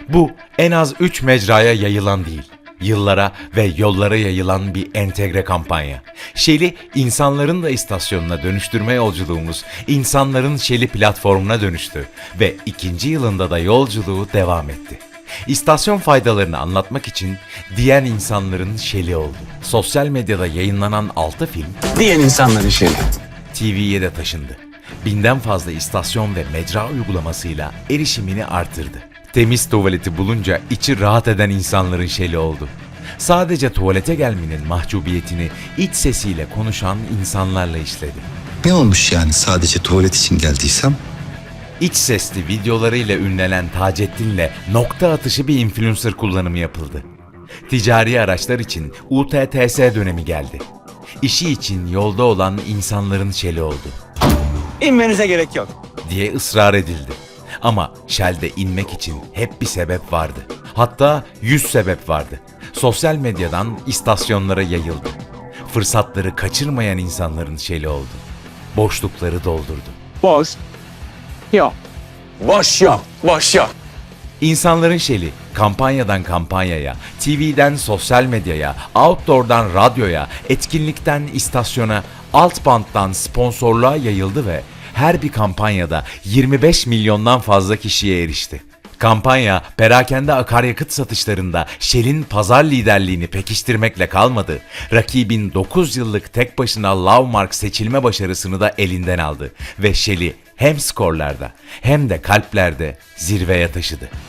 Bu en az 3 mecraya yayılan değil, yıllara ve yollara yayılan bir entegre kampanya. Shell'i insanların da istasyonuna dönüştürme yolculuğumuz, insanların Shell'i platformuna dönüştü ve 2. yılında da yolculuğu devam etti. İstasyon faydalarını anlatmak için diyen insanların Shell'i oldu. Sosyal medyada yayınlanan 6 film Diyen insanların Shell'i. TV'ye de taşındı. 1000'den fazla istasyon ve mecra uygulamasıyla erişimini artırdı. Temiz tuvaleti bulunca içi rahat eden insanların Shell'i oldu. Sadece tuvalete gelmenin mahcubiyetini iç sesiyle konuşan insanlarla işledi. Ne olmuş yani sadece tuvalet için geldiysem? İç sesli videolarıyla ünlenen Taceddin'le nokta atışı bir influencer kullanımı yapıldı. Ticari araçlar için UTTS dönemi geldi. İşi için yolda olan insanların Shell'i oldu İnmenize gerek yok. diye ısrar edildi. Ama Shell'de inmek için hep bir sebep vardı. Hatta 100 sebep vardı. Sosyal medyadan istasyonlara yayıldı. Fırsatları kaçırmayan insanların Shell'i oldu. Boşlukları doldurdu. Boş. Yok. Boş yok. Boş yok. İnsanların Shell'i kampanyadan kampanyaya, TV'den sosyal medyaya, outdoor'dan radyoya, etkinlikten istasyona, alt banttan sponsorluğa yayıldı ve her bir kampanyada 25 milyondan fazla kişiye erişti. Kampanya, perakende akaryakıt satışlarında Shell'in pazar liderliğini pekiştirmekle kalmadı. Rakibin 9 yıllık tek başına Lovemark seçilme başarısını da elinden aldı ve Shell'i hem skorlarda hem de kalplerde zirveye taşıdı.